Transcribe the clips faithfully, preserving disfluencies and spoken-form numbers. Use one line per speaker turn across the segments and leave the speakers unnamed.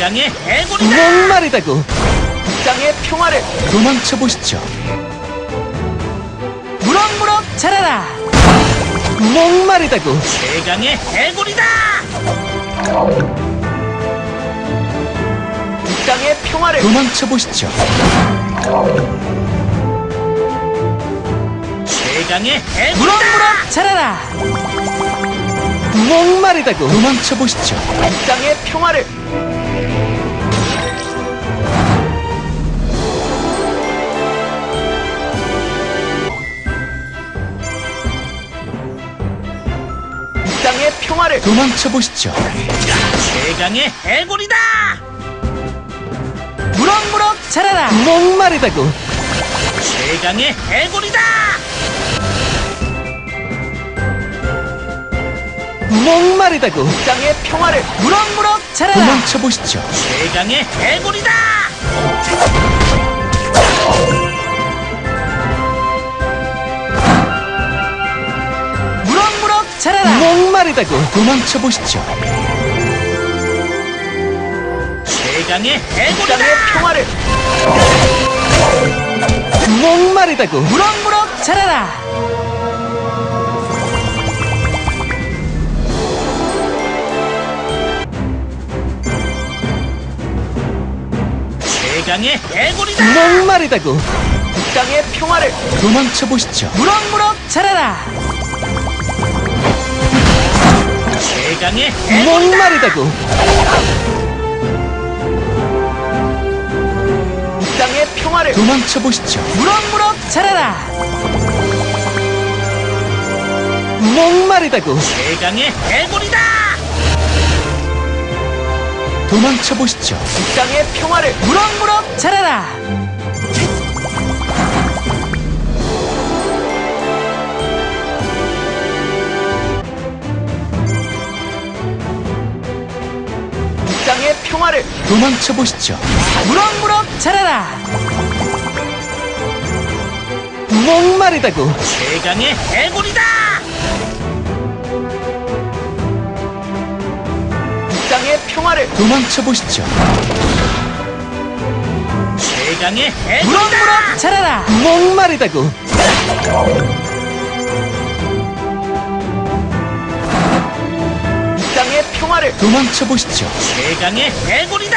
최강의 해골이다!
목마르다고
땅의 평화를
도망쳐 보시죠.
무럭무럭 자라라!
목마르다고
최강의 해골이다!
땅의 평화를
도망쳐 보시죠.
최강의 해골이다! 무럭무럭 자라라!
목마르다고 도망쳐 보시죠.
땅의 평화를 땅의 평화를
도망쳐 보시죠.
최강의 해골이다! 무럭무럭 자라라!
목마르다고
최강의 해골이다!
목마르다고
땅의 평화를
무럭무럭 자라라!
도망쳐 보시죠.
최강의 해골이다! 무럭무럭 자라라!
목마르다고 도망쳐 보시죠.
최강의 해골이다!
땅의 평화를
목마르다고
무럭무럭 자라라! 최강의 해골이다!
목마르다고
땅의 평화를
도망쳐 보시죠.
무럭무럭 자라라! 최강의 해골이다!
목마르다고
땅의 평화를
도망쳐 보시죠.
무럭무럭 자라라!
목마르다고
최강의 해골이다!
도망쳐 보시죠.
땅의 평화를
무럭무럭 자라라!
땅의 평화를
도망쳐 보시죠.
무럭무럭 자라라!
목마르다고
최강의 해골이다!
땅의 평화를
도망쳐 보시죠.
최강의 해골이다! 무럭무럭 자라라!
목마르다고
땅의 평화를
도망쳐 보시죠.
최강의 해골이다!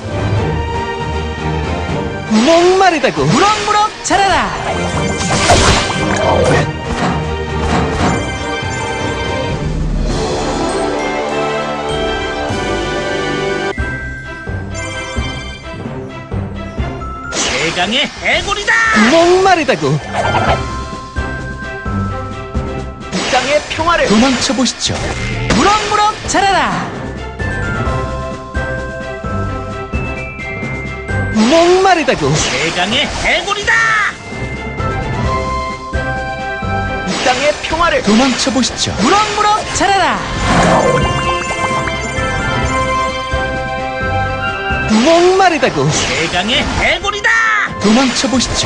목마르다고
무럭무럭 자라라! 최강의 해골이다!
목마르다고
땅의 평화를
도망쳐 보시죠.
무럭무럭 자라라!
목마르다고
최강의 해골이다!
땅의 평화를
도망쳐 보시죠.
무럭무럭 자라라!
목마르다고
최강의 해골이다!
도망쳐 보시죠.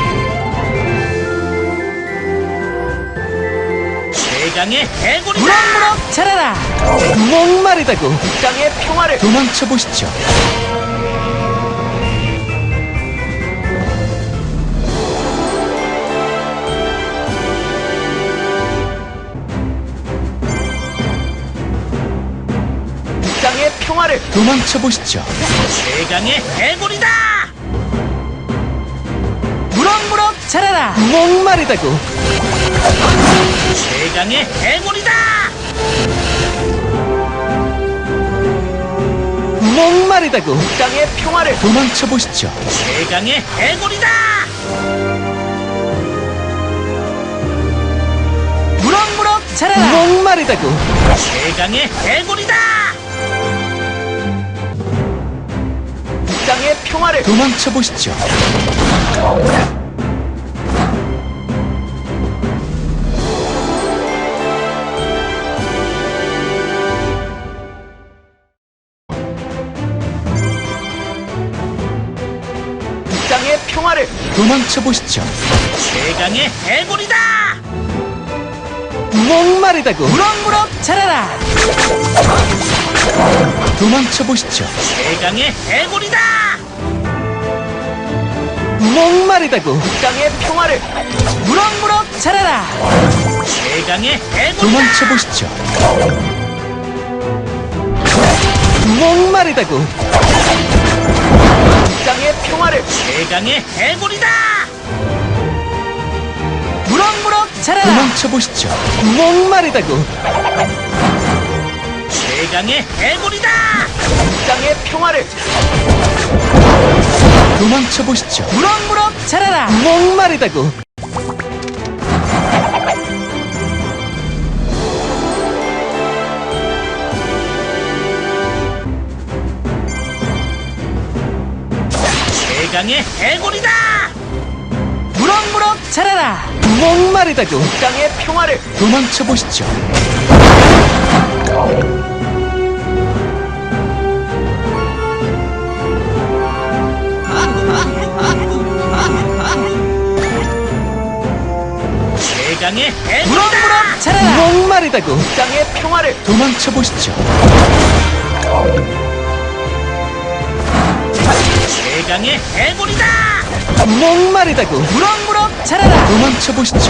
최강의 해골이다! 무럭무럭 자라라!
목마르다고
땅의 평화를
도망쳐 보시죠.
땅의 평화를
도망쳐 보시죠.
최강의 해골이다! 무럭무럭 자라라!
목마르다고
최강의 해골이다!
목마르다고
땅의 평화를
도망쳐 보시죠.
최강의 해골이다! 무럭무럭 자라라!
목마르다고
최강의 해골이다!
땅의 평화를
도망쳐 보시죠.
땅의 평화를
도망쳐 보시죠.
최강의 해골이다!
목마르다고
무럭무럭 자라라!
도망쳐 보시죠.
최강의 해골이다.
목마르다고.
이 땅의 평화를
무럭무럭 자라라. 최강의 해골이다.
도망쳐 보시죠. 목마르다고.
이 땅의 평화를
최강의 해골이다. 무럭무럭 자라라.
도망쳐 보시죠. 목마르다고.
최강의 해골이다.
이 땅의 평화를
도망쳐 보시죠.
무럭무럭 자라라.
목마르다고.
최강의 해골이다. 무럭무럭 자라라.
목마르다고.
이 땅의 평화를
도망쳐 보시죠.
최강의 해골이다.
무럭무럭
자라라.
목마르다고.
이 땅의 평화를
도망쳐 보시죠.
최강의 해골이다.
목마르다고.
무럭무럭 자라라.
도망쳐 보시죠.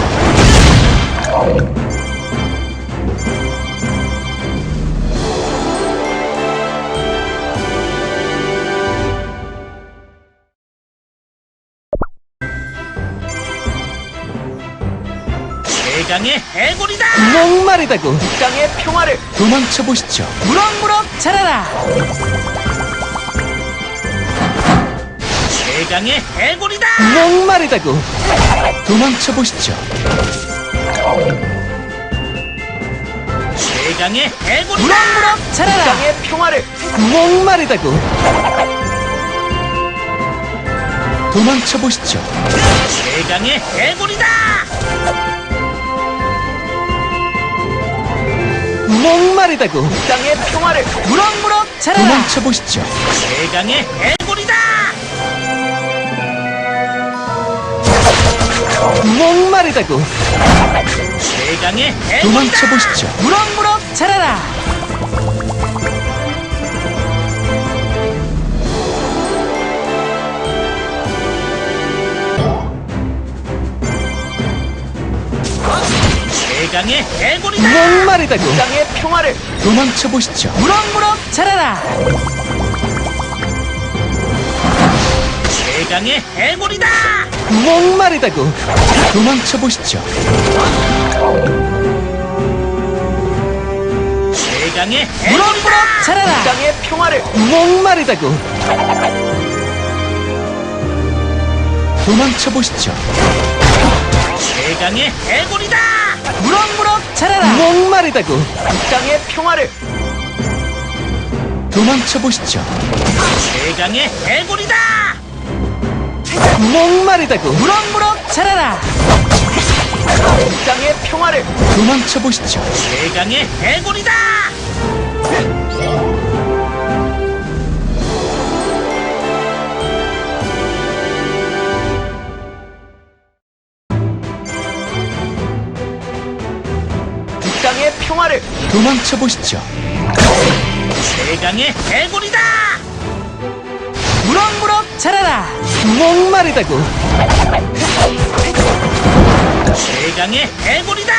최강의 해골이다.
목마르다고.
이 땅의 평화를
도망쳐 보시죠.
무럭무럭 자라라. 최강의 해골이다.
목마르다고. 도망쳐 보시죠.
최강의 해골이다. 무럭무럭
이
자라라.
땅의 평화를
목마르다고. 도망쳐 보시죠.
최강의 해골이다.
목마르다고.
이 땅의 평화를
무럭무럭 자라라.
도망쳐 보시죠.
최강의 해골이다.
목마르다고.
최강의 해골이다.
도망쳐 보시죠.
무럭무럭 자라라. 최강의 해골이다.
목마르다고.
이 땅의 평화를
도망쳐 보시죠.
무럭무럭 자라라. 최강의 해골이다.
목마르다고. 도망쳐 보시죠.
최강의 해골이다.
이
자라라.
땅의 평화를
목마르다고. 도망쳐 보시죠.
최강의 해골이다. 무럭무럭 자라라.
목마르다고.
이 땅의 평화를
도망쳐 보시죠.
최강의 해골이다.
목마르다고.
무럭무럭 자라라.
이 땅의 평화를
도망쳐 보시죠.
최강의 해골이다.
이 땅의 평화를
도망쳐 보시죠.
최강의 해골이다. 무럭무럭 자라라.
목마르다고.
최강의 해골이다.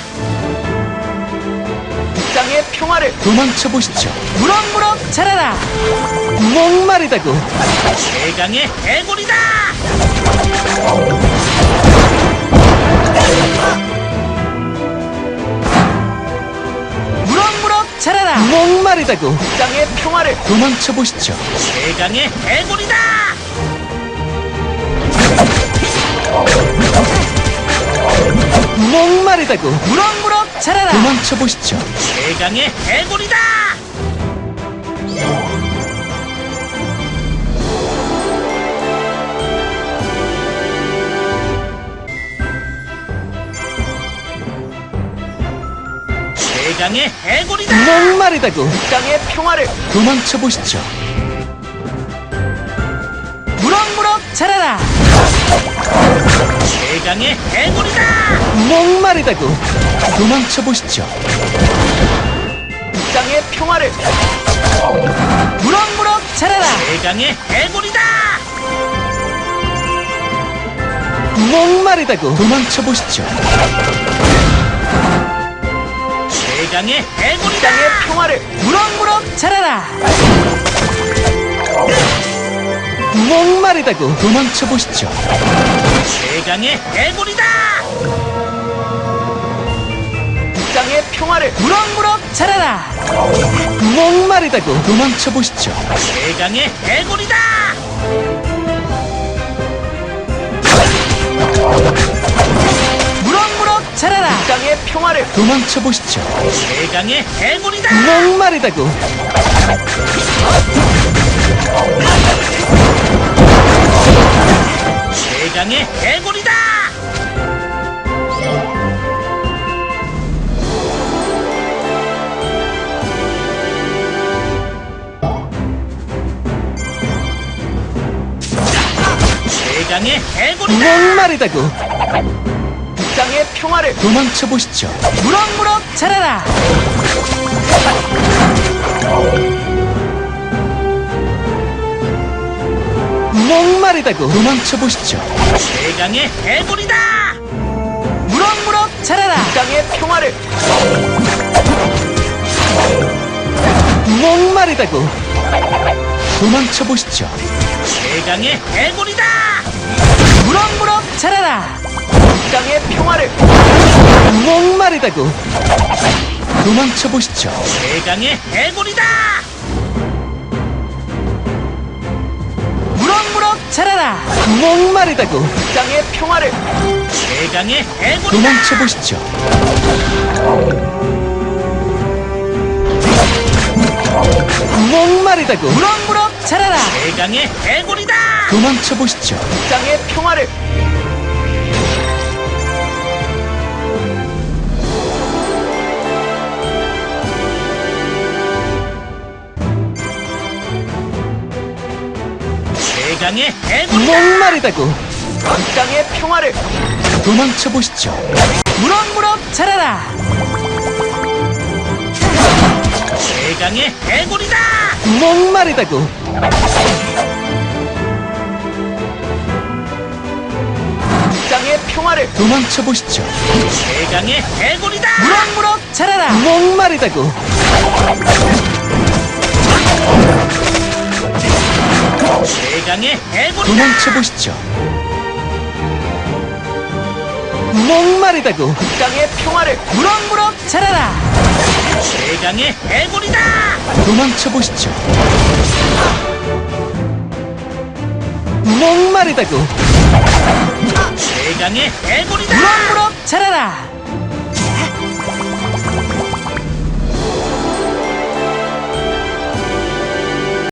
이 땅의 평화를
도망쳐 보시죠.
무럭무럭 자라라.
목마르다고.
최강의 해골이다. 무럭무럭 자라라.
목마르다고.
이 땅의 평화를
도망쳐 보시죠.
최강의 해골이다.
목마르다고.
무럭무럭 자라라.
도망쳐 보시죠.
최강의 해골이다. 최강의 해골이다.
목마르다고.
이 땅의 평화를
도망쳐 보시죠.
무럭무럭 자라라. 최강의 해골이다.
목마르다고. 도망쳐 보시죠.
이 땅의 평화를
무럭무럭 자라라. 최강의 해골이다.
목마르다고 도망쳐 보시죠.
최강의 해골이다.
땅의 평화를
무럭무럭 자라라.
목마르다고 도망쳐 보시죠.
최강의 해골이다.
땅의 평화를
무럭무럭 자라라.
목마르다고 도망쳐 보시죠.
최강의 해골이다. 무럭무럭 자라라.
땅의 평화를
도망쳐 보시죠.
최강의 해골이다.
목마르다고
최강의 해골이다. 최강의 해골이다.
목마르다고
땅의 평화를
도망쳐 보시죠.
무럭무럭 자라라.
목마르다고 도망쳐 보시죠.
최강의 해골이다. 무럭무럭 자라라.
땅의 평화를
목마르다고 도망쳐 보시죠.
최강의 해골이다. 무럭무럭 자라라.
땅의 평화를
목마르다고 도망쳐 보시죠.
최강의 해골이다. 무럭무럭 자라라.
목마르다고
땅의 평화를
최강의 해골이다.
도망쳐 보시죠. 목마르다고
무럭무럭 자라라. 최강의 해골이다.
도망쳐 보시죠.
땅의 평화를
최강의 해골이다.
목마르다고
땅의 평화를
도망쳐 보시죠.
무럭무럭 자라라. 최강의 해골이다.
목마르다고
땅의 평화를
도망쳐 보시죠.
최강의 해골이다. 무럭무럭 자라라.
목마르다고
최강의 해골이다.
도망쳐 보시죠. 목마르다고
땅의 평화를
무럭무럭 자라라. 최강의 해골이다.
도망쳐 보시죠. 목마르다고
최강의 해골이다. 무럭무럭 자라라.